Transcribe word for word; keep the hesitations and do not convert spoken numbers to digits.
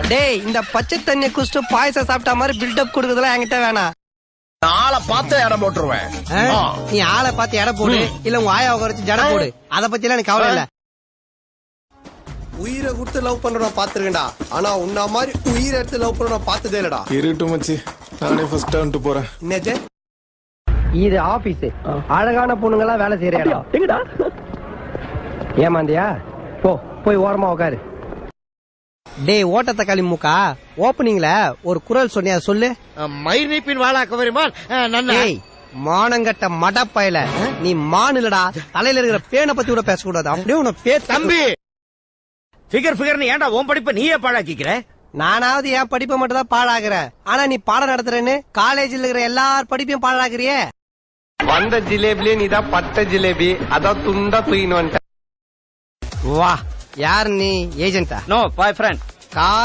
டேய் இந்த பச்சை தண்ணிய குடிச்சிட்டு பாயசம் சாப்பிட்ட மாதிரி பில்டப் கொடுக்கறதுலாம் என்கிட்ட வேணாம். ஆளை பார்த்து இடம் போட்டுருவேன். நீ ஆளை பார்த்து எடை போடு, இல்ல உங்க ஆயா உட்கார ஜட போடு, அத பத்தி எல்லாம் எனக்கு கவலை இல்ல. உயிரை கொடுத்து லவ் பண்றோம் பாத்துருக்கேன்டா, ஆனா உன்ன மாதிரி உயிரை எடுத்து லவ் பண்றோம் பார்த்ததே இல்லடா. இருட்டு மச்சி, நானே ஃபர்ஸ்ட் டர்ன் போறேன். என்னது இது ஆபீஸ், அழகான பொண்ணுங்க எல்லாம் வேலை செய்யற இடம். எங்கடா ஏமாந்தியா? போ போய் ஓரமா உட்காரு. டேய் ஓட்டத்த களி மூக்கா, ஓப்பனிங்ல ஒரு குரல் சொன்னியா சொல்லு. மயிர் நீப்பின் வாழா கவரிமான் நன்னா. டேய் மானங்கட்ட மடப்பயல, நீ மான் இல்லடா, தலையில இருக்கிற பேனை பத்தி கூட பேசக்கூடாது. அப்படியே உன பே தம்பி ஃபிகர் ஃபிகர்னு ஏன்டா உன் படிப்பை நீயே பாழாக்கிக்கிற? நானாவது என் படிப்பை மட்டும் தான் பாழாக்குறேன், ஆனா நீ பாடம் நடத்துறேன்னு காலேஜ்ல இருக்கிற எல்லார் படிப்பையும் பாழாக்குறியே. வந்த ஜிலேபிலே நீதான் பட்ட ஜிலேபி, அதான் துண்டா தூயின்னு வந்துட்ட. வா யார் நீ? ஏஜென்டா? No boy friend.